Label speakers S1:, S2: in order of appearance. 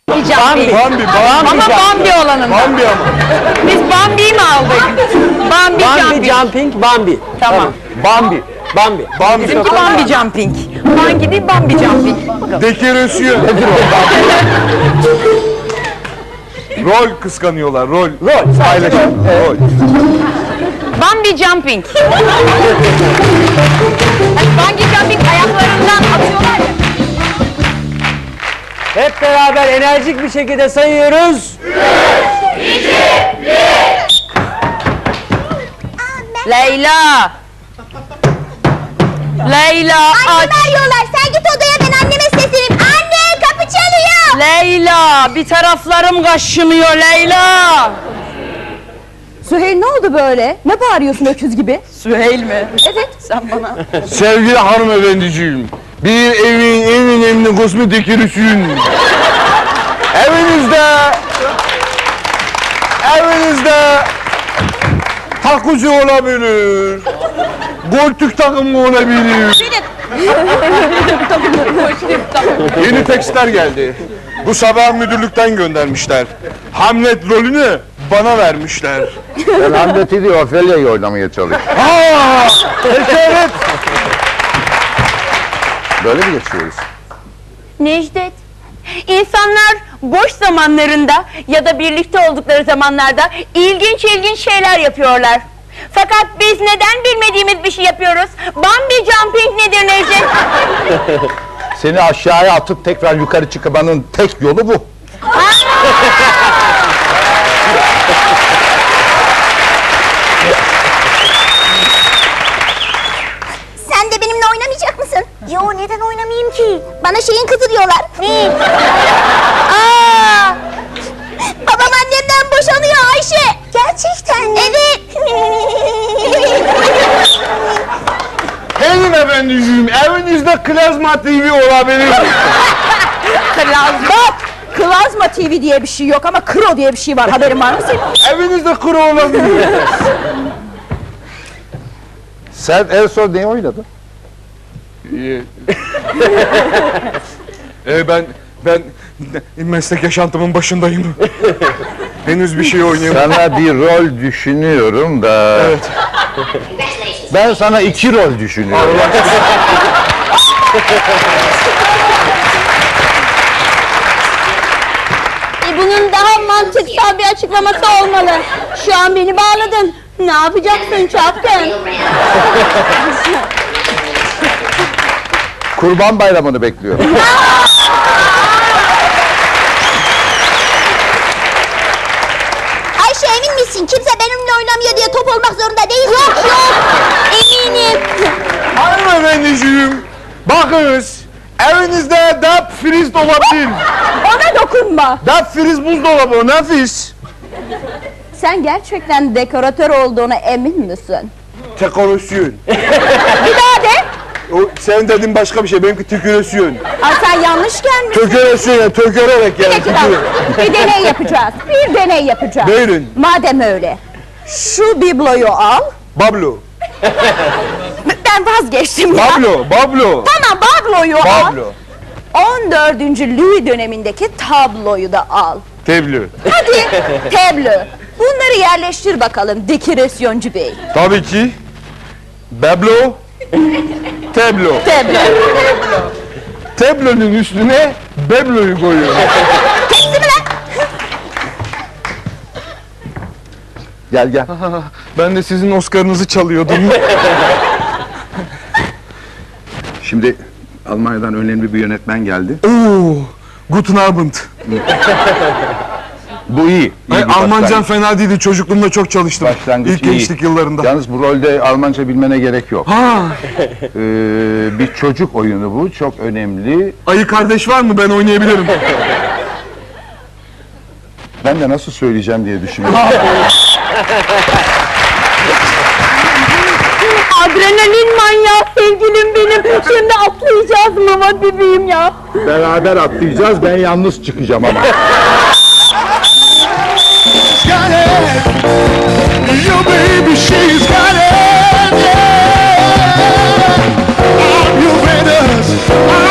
S1: Bambi.
S2: Ama Bambi olanın.
S1: Bambi ama.
S2: Biz Bambi'yi mi aldık? Bambi
S3: Jumping, Bambi.
S2: Tamam.
S3: Bambi.
S2: Bizimki Bambi Jumping. Bambi değil, Bambi Jumping.
S1: Dekorasyon. Nedir o? Rol kıskanıyorlar, rol. Paylaşım. Rol.
S2: Bambi Jumping. Bambi Jumping ayaklarından atıyorlar ya.
S3: Hep beraber enerjik bir şekilde sayıyoruz.
S4: 3, 2, 1.
S2: Leyla. Leyla
S4: Annemi
S2: aç.
S4: arıyorlar. Sen git odaya, ben anneme sesleneyim. Anne, kapı çalıyor.
S2: Leyla bir taraflarım kaşınıyor Leyla.
S5: Süheyl ne oldu böyle? Ne bağırıyorsun öküz gibi?
S2: Süheyl mi?
S5: Evet.
S2: Sen bana.
S1: Sevgili hanımefendiciğim, bir evin en önemli kısmı dekorasyon. Evinizde takucu olabilir, koltuk takımı olabilir. Yeni tekstler geldi. Bu sabah müdürlükten göndermişler. Hamlet rolünü bana vermişler.
S6: Ben Hamlet'i değil, Ophelia'yı oynamaya çalışıyorum.
S1: Evet.
S6: Böyle mi geçiyoruz?
S2: Necdet, insanlar boş zamanlarında ya da birlikte oldukları zamanlarda ilginç şeyler yapıyorlar. Fakat biz neden bilmediğimiz bir şey yapıyoruz? Bambi Jumping nedir Necdet?
S6: Seni aşağıya atıp tekrar yukarı çıkmanın tek yolu bu.
S4: Sen de benimle oynamayacak mısın? Yo, neden oynamayayım ki? Bana şeyin kızı diyorlar. Ne? Babam annemden boşanıyor Ayşe. Gerçekten mi? Evet.
S1: Hanımefendiciğim, evinizde klazma TV olabilir.
S5: Klazma TV diye bir şey yok ama Kro diye bir şey var. Haberin var mı senin?
S1: Evinizde kuru olabilir.
S6: Sen en son neyi oynadın?
S1: Ben meslek yaşantımın başındayım. Henüz bir şey oynayamadım.
S6: Sana bir rol düşünüyorum da...
S1: Evet.
S6: Ben sana 2 rol düşünüyorum.
S4: Bunun daha mantıksal bir açıklaması olmalı. Şu an beni bağladın. Ne yapacaksın çapkın?
S6: Kurban Bayramı'nı bekliyorum.
S4: Ayşe, emin misin? Kimse benimle oynamıyor diye top olmak zorunda değil. Yok. Eminim.
S1: Hanımefendiciğim, bakınız. Evinizde dap friz olabilir.
S5: Ona dokunma.
S1: Dap friz buzdolabı, nefis.
S5: Sen gerçekten dekoratör olduğuna emin misin?
S1: Dekorasyon.
S5: Bir daha de.
S1: O, sen dedin başka bir şey, benimki tükürasyon.
S5: Ay sen yanlış gelmişsin.
S1: Tökerasyon ya, tökererek
S5: Bir
S1: yani.
S5: dakika. Bir deney yapacağız.
S1: Buyurun.
S5: Madem öyle. Şu bibloyu al.
S1: Bablo.
S5: Ben vazgeçtim ya.
S1: Bablo.
S5: Tamam, babloyu al.
S1: Bablo.
S5: 14. Louis dönemindeki tabloyu da al.
S1: Teblo.
S5: Hadi tablo. Bunları yerleştir bakalım dekorasyoncu bey.
S1: Tabii ki. Bablo. Tablo.
S5: Tablo.
S1: Tablonun üstüne Bablo'yu koyuyorum.
S6: Gel.
S1: Ben de sizin Oscar'ınızı çalıyordum.
S6: Şimdi Almanya'dan önemli bir yönetmen geldi.
S1: Oo, Guten Abend.
S6: Bu iyi.
S1: Ay, Almancam fena değildi. Çocukluğumda çok çalıştım.
S6: Başlangıç
S1: İlk
S6: iyi.
S1: gençlik yıllarında.
S6: Yalnız bu rolde Almanca bilmene gerek yok.
S1: Ha,
S6: Bir çocuk oyunu bu. Çok önemli.
S1: ayı kardeş var mı? Ben oynayabilirim.
S6: Ben de nasıl söyleyeceğim diye düşünüyorum.
S2: Adrenalin manyağı sevgilim benim. Şimdi atlayacağız mı? Hadi bebeğim ya.
S6: Beraber atlayacağız. Ben yalnız çıkacağım ama.
S1: Your baby, she's got it. Yeah. I'm your Venus.